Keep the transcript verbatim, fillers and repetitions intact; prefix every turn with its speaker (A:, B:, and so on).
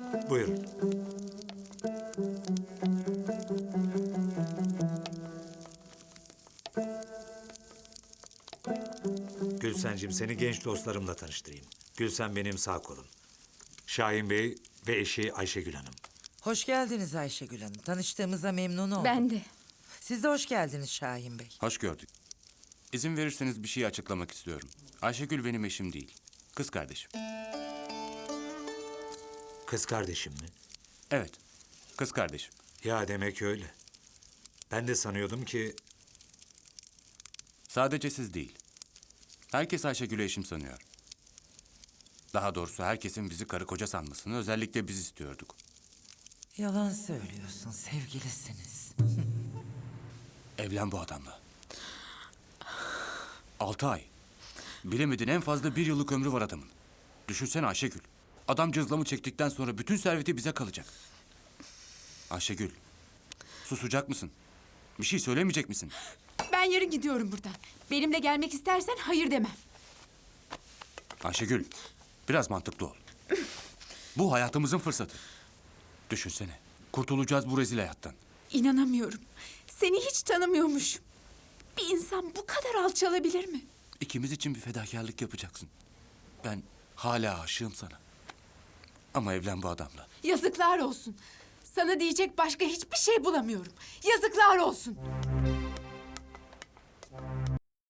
A: Buyurun. Gülsencim, seni genç dostlarımla tanıştırayım. Gülsen benim sağ kolum. Şahin Bey ve eşi Ayşegül Hanım.
B: Hoş geldiniz Ayşegül Hanım. Tanıştığımıza memnun oldum.
C: Ben de.
B: Siz de hoş geldiniz Şahin Bey.
D: Hoş gördük. İzin verirseniz bir şey açıklamak istiyorum. Ayşegül benim eşim değil. Kız kardeşim.
A: Kız kardeşim mi?
D: Evet. Kız kardeşim.
A: Ya demek öyle. Ben de sanıyordum ki...
D: Sadece siz değil. Herkes Ayşegül'ü eşim sanıyor. Daha doğrusu herkesin bizi karı koca sanmasını özellikle biz istiyorduk.
B: Yalan söylüyorsun, sevgilisiniz.
D: Evlen bu adamla. Altı ay. Bilemedin en fazla bir yıllık ömrü var adamın. Düşünsene Ayşegül. Adam cızlamı çektikten sonra bütün serveti bize kalacak. Ayşegül. Susacak mısın? Bir şey söylemeyecek misin?
C: Ben yarın gidiyorum buradan. Benimle gelmek istersen hayır demem.
D: Ayşegül. Biraz mantıklı ol. Bu hayatımızın fırsatı. Düşünsene. Kurtulacağız bu rezil hayattan.
C: İnanamıyorum. Seni hiç tanımıyormuşum. Bir insan bu kadar alçalabilir mi?
D: İkimiz için bir fedakarlık yapacaksın. Ben hala aşığım sana. Ama evlen bu adamla.
C: Yazıklar olsun. Sana diyecek başka hiçbir şey bulamıyorum. Yazıklar olsun.